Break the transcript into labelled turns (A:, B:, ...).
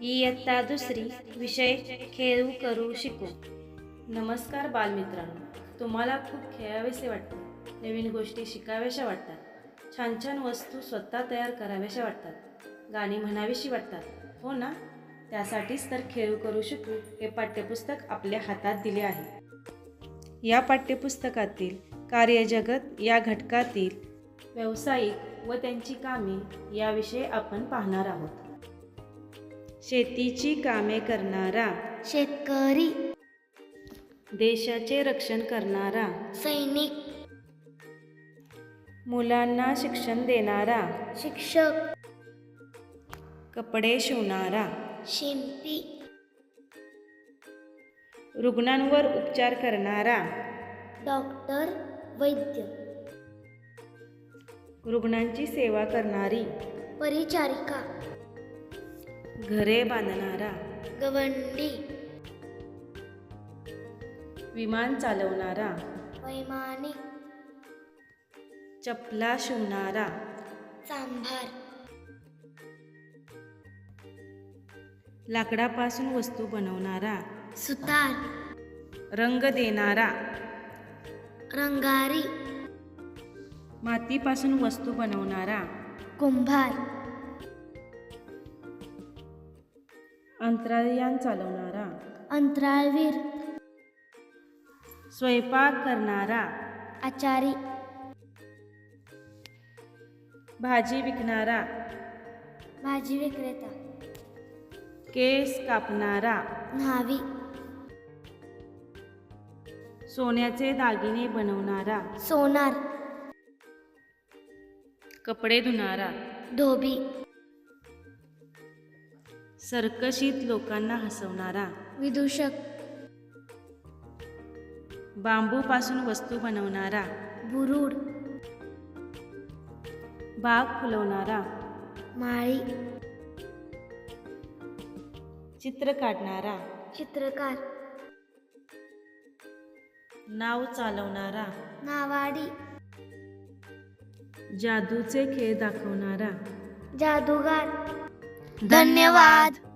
A: इयत्ता दुसरी विषय खेळू करू शिकू. नमस्कार बालमित्रांनो, तुम्हाला खूप खेळावेसे वाटते, नवीन गोष्टी शिकाव्याशा वाटतात, छान छान वस्तू स्वतः तयार कराव्याशा वाटतात, गाणी म्हणावीशी वाटतात, हो ना? त्यासाठीच तर खेळू करू शिकू हे पाठ्यपुस्तक आपल्या हातात दिले आहे. या पाठ्यपुस्तकातील कार्यजगत या घटकातील व्यावसायिक व त्यांची कामे याविषयी आपण पाहणार आहोत. शेतीची कामे करणारा
B: शेतकरी,
A: देशाचे रक्षण करणारा
B: सैनिक,
A: मुलांना शिक्षण देणारा
B: शिक्षक,
A: कपडे शिवणारा
B: शिंपी,
A: रुग्णांवर उपचार करणारा
B: डॉक्टर, वैद्य,
A: रुग्णांची सेवा करणारी
B: परिचारिका,
A: घरे बांधणारा
B: गवंडी,
A: विमान चालवणारा
B: वैमानिक,
A: चपला शिवणारा
B: सांभार,
A: लाकडापासून वस्तू बनवणारा
B: सुतार,
A: रंग देणारा
B: रंगारी,
A: मातीपासून वस्तू बनवणारा
B: कुंभार,
A: अंतराळयान चालवणारा
B: अंतराळवीर,
A: स्वयंपाक करणारा
B: आचारी,
A: भाजी विकणारा
B: भाजी विक्रेता,
A: केस कापणारा
B: न्हावी,
A: सोन्याचे दागिने बनवणारा
B: सोनार,
A: कपडे धुणारा
B: धोबी,
A: सर्कशीत लोकांना हसवणारा
B: विदूषक,
A: बांबूपासून वस्तू बनवणारा
B: बुरुड,
A: बाग फुलवणारा
B: माळी,
A: चित्र काढणारा
B: चित्रकार,
A: नाव चालवणारा
B: नावाडी,
A: जादूचे खेळ दाखवणारा
B: जादूगार.
A: धन्यवाद.